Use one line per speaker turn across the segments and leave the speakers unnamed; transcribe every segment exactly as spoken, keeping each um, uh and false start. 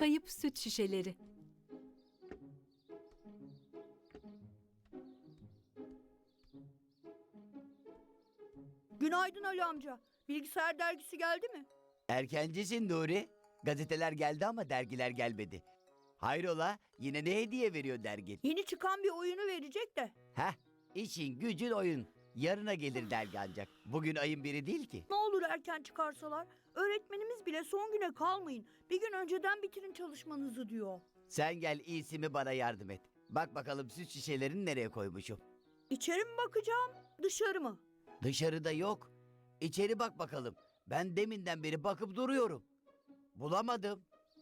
Kayıp süt şişeleri.
Günaydın Ali amca. Bilgisayar dergisi geldi mi?
Erkencisin Nuri. Gazeteler geldi ama dergiler gelmedi. Hayrola, yine ne hediye veriyor dergin?
Yeni çıkan bir oyunu verecek de.
Heh, işin gücün oyun. Yarına gelir dergi ancak. Bugün ayın biri değil ki.
Ne olur erken çıkarsalar. Öğretmenimiz bile son güne kalmayın, bir gün önceden bitirin çalışmanızı diyor.
Sen gel iyisi mi bana yardım et. Bak bakalım süt şişelerini nereye koymuşum.
İçeri mi bakacağım, dışarı mı?
Dışarıda yok. İçeri bak bakalım. Ben deminden beri bakıp duruyorum. Bulamadım.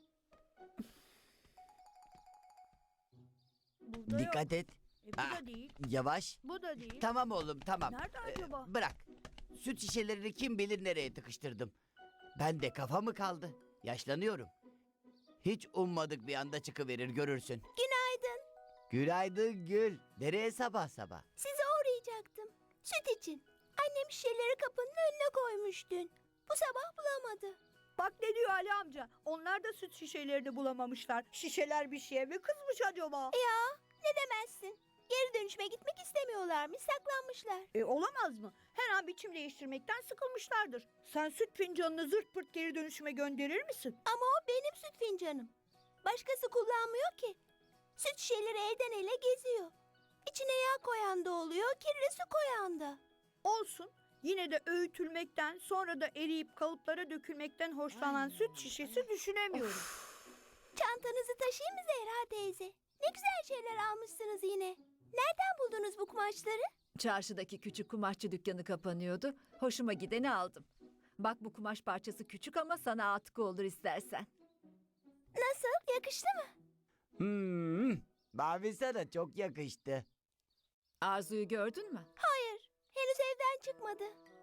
Burada
Dikkat et.
yok. E, bu
Ah,
da değil,
Yavaş.
bu da değil.
Tamam oğlum tamam.
Nerede
Ee,
acaba?
bırak. Süt şişelerini kim bilir nereye tıkıştırdım. Ben de kafa mı kaldı? Yaşlanıyorum. Hiç ummadık bir anda çıkıverir görürsün.
Günaydın.
Günaydın Gül. Nereye sabah sabah?
Size uğrayacaktım. Süt için. Annem şişeleri kapının önüne koymuş dün. Bu sabah bulamadı.
Bak ne diyor Ali amca. Onlar da süt şişelerini bulamamışlar. Şişeler bir şeye mi kızmış acaba?
Ya ne demezsin. Geri dönüşüme gitmek istemiyorlarmış, saklanmışlar.
E olamaz mı? Her an biçim değiştirmekten sıkılmışlardır. Sen süt fincanını zırt pırt geri dönüşüme gönderir misin?
Ama o benim süt fincanım. Başkası kullanmıyor ki. Süt şişeleri elden ele geziyor. İçine yağ koyan da oluyor, kirli su koyan da.
Olsun. Yine de öğütülmekten, sonra da eriyip kalıplara dökülmekten hoşlanan süt şişesi düşünemiyorum.
Çantanızı taşıyayım mı Zehra teyze? Ne güzel şeyler almışsınız yine. Nereden buldunuz bu kumaşları?
Çarşıdaki küçük kumaşçı dükkanı kapanıyordu. Hoşuma gideni aldım. Bak bu kumaş parçası küçük ama sana atkı olur istersen.
Nasıl? Yakıştı mı?
Hmm, mavi sana çok yakıştı.
Arzu'yu gördün mü?
Hayır. Henüz evden çıkmadı.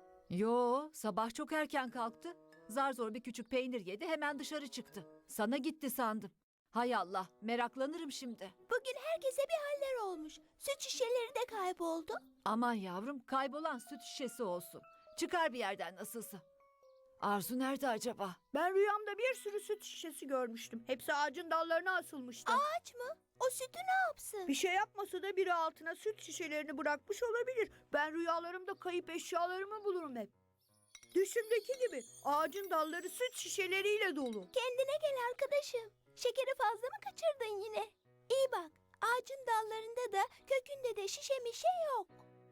Yo, sabah çok erken kalktı. Zar zor bir küçük peynir yedi, hemen dışarı çıktı. Sana gitti sandım. Hay Allah, meraklanırım şimdi.
Bugün herkese bir haller olmuş. Süt şişeleri de kayboldu.
Aman yavrum, kaybolan süt şişesi olsun. Çıkar bir yerden nasılsa. Arzu nerede acaba?
Ben rüyamda bir sürü süt şişesi görmüştüm. Hepsi ağacın dallarına asılmıştı.
Ağaç mı? O sütü ne yapsın?
Bir şey yapmasa da biri altına süt şişelerini bırakmış olabilir. Ben rüyalarımda kayıp eşyalarımı bulurum hep. Düşümdeki gibi ağacın dalları süt şişeleriyle dolu.
Kendine gel arkadaşım. Şekeri fazla mı kaçırdın yine? İyi bak. Ağacın dallarında da kökünde de şişe mişe yok.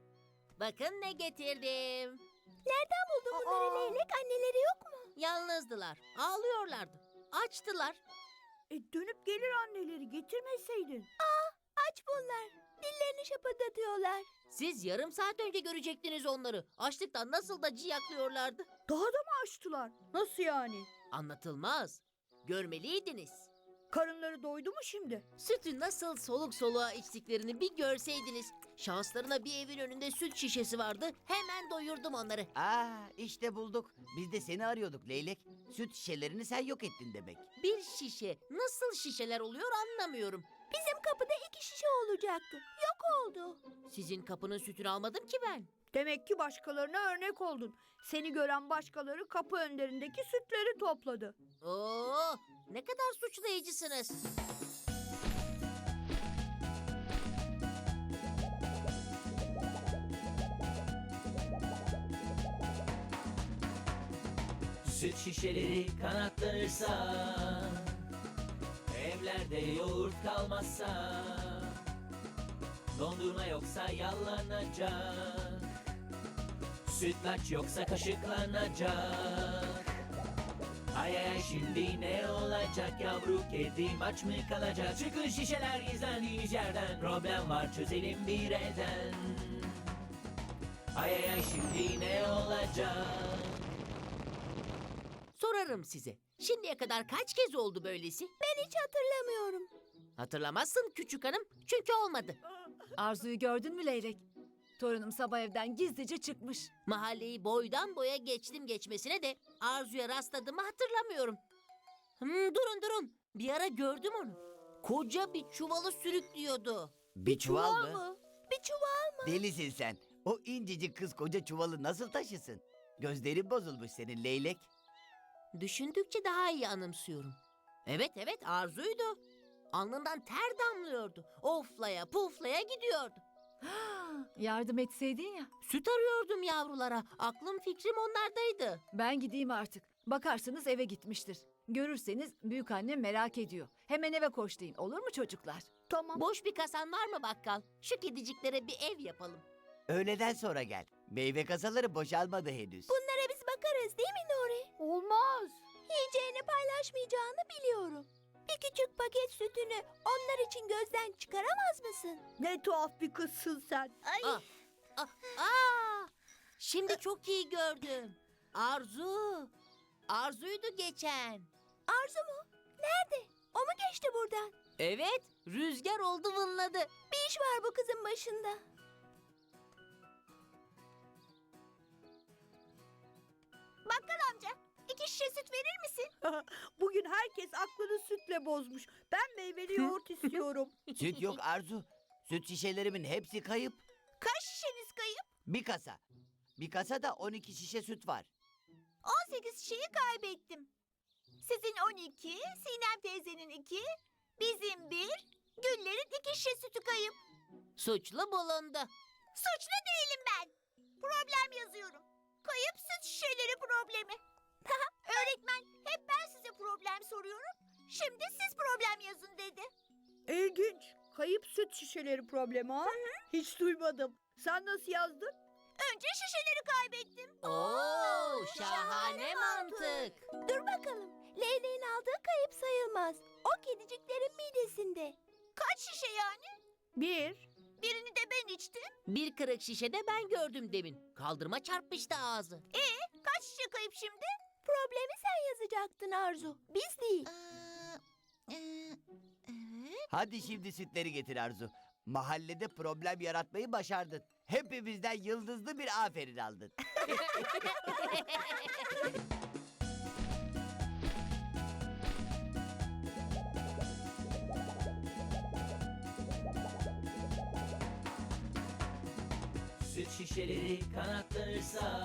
Bakın ne getirdim.
Nereden buldun bunları
Aa!
leylek? Anneleri yok mu?
Yalnızdılar. Ağlıyorlardı. Açtılar.
E dönüp gelir anneleri, getirmeseydin.
Aç bunlar. Dillerini şapırdatıyorlar.
Siz yarım saat önce görecektiniz onları. Açlıktan nasıl da ciyaklıyorlardı.
Daha da mı açtılar? Nasıl yani?
Anlatılmaz. Görmeliydiniz.
Karınları doydu mu şimdi?
Sütü nasıl soluk soluğa içtiklerini bir görseydiniz. Şanslarına bir evin önünde süt şişesi vardı. Hemen doyurdum onları.
Aa, işte bulduk. Biz de seni arıyorduk Leylek. Süt şişelerini sen yok ettin demek.
Bir şişe nasıl şişeler oluyor anlamıyorum.
Bizim kapıda iki şişe olacaktı. Yok oldu.
Sizin kapının sütünü almadım ki ben.
Demek ki başkalarına örnek oldun. Seni gören başkaları kapı önlerindeki sütleri topladı.
Oo, ne kadar suçlayıcısınız.
Süt şişeleri kanatlanırsa, evlerde yoğurt kalmazsa, dondurma yoksa yallanacak, sütlaç yoksa kaşıklanacak. Ay ay ay şimdi ne olacak, yavru kedim aç mı kalacak? Çıkın şişeler gizlendiğiniz yerden, problem var çözelim bir elden. Ay ay ay şimdi ne olacak?
Sorarım size. Şimdiye kadar kaç kez oldu böylesi?
Ben hiç hatırlamıyorum.
Hatırlamazsın küçük hanım. Çünkü olmadı.
Arzu'yu gördün mü Leylek? Torunum sabah evden gizlice çıkmış.
Mahalleyi boydan boya geçtim geçmesine de Arzu'ya rastladığımı hatırlamıyorum. Hmm, durun durun. Bir ara gördüm onu. Koca bir çuvalı sürüklüyordu.
Bir çuval, mı?
mı? Bir çuval mı?
Delisin sen. O incecik kız koca çuvalı nasıl taşısın? Gözlerin bozulmuş senin Leylek.
Düşündükçe daha iyi anımsıyorum. Evet evet Arzu'ydu. Alnından ter damlıyordu. Oflaya puflaya gidiyordu.
Yardım etseydin ya.
Süt arıyordum yavrulara. Aklım fikrim onlardaydı.
Ben gideyim artık. Bakarsınız eve gitmiştir. Görürseniz büyük annem merak ediyor. Hemen eve koşlayın. Olur mu çocuklar?
Tamam.
Boş bir kasan var mı bakkal? Şu kediciklere bir ev yapalım.
Öğleden sonra gel. Meyve kasaları boşalmadı henüz.
Bunlara biz bakarız değil mi Nuri?
Olmaz.
Yiyeceğini paylaşmayacağını biliyorum. Bir küçük paket sütünü onlar için gözden çıkaramaz mısın?
Ne tuhaf bir kızsın sen.
Ay.
Ah, ah, aa! Şimdi çok iyi gördüm. Arzu. Arzu'ydu geçen.
Arzu mu? Nerede? O mu geçti buradan?
Evet, rüzgar oldu vınladı.
Bir iş var bu kızın başında. Bakkal amca, iki şişe süt verir misin?
Bugün herkes aklını sütle bozmuş. Ben meyveli yoğurt istiyorum.
Süt yok Arzu. Süt şişelerimin hepsi kayıp.
Kaç şişeniz kayıp?
Bir kasa. Bir kasada on iki şişe süt var.
on sekiz şişeyi kaybettim. Sizin on iki, Sinem teyzenin iki, bizim bir, Güller'in iki şişe sütü kayıp.
Suçlu bulundu.
Suçlu değilim ben. Problem yazıyorum. Kayıp süt şişeleri problemi. Öğretmen hep ben size problem soruyorum. Şimdi siz problem yazın dedi.
İlginç. Kayıp süt şişeleri problemi ha? Hiç duymadım. Sen nasıl yazdın?
Önce şişeleri kaybettim.
Oo, şahane mantık.
Dur bakalım. Leyleğin aldığı kayıp sayılmaz. O kediciklerin midesinde. Kaç şişe yani?
Bir.
Birini de ben içtim.
Bir kırık şişede ben gördüm demin. Kaldırıma çarpmıştı ağzı.
Kaç şişe kayıp şimdi? Problemi sen yazacaktın Arzu. Biz değil.
Hadi şimdi sütleri getir Arzu. Mahallede problem yaratmayı başardın. Hepimizden yıldızlı bir aferin aldın.
Süt şişeleri kanatlanırsa,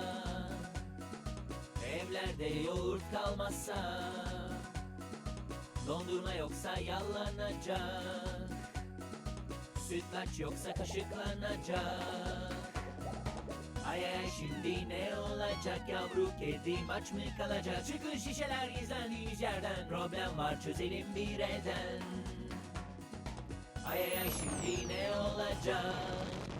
evlerde yoğurt kalmazsa, dondurma yoksa yallanacak, sütlaç yoksa kaşıklanacak. Ay ay şimdi ne olacak, yavru kedim aç mı kalacak? Çıkın şişeler gizlendiğiniz yerden, problem var çözelim bir elden. Ay ay ay şimdi ne olacak?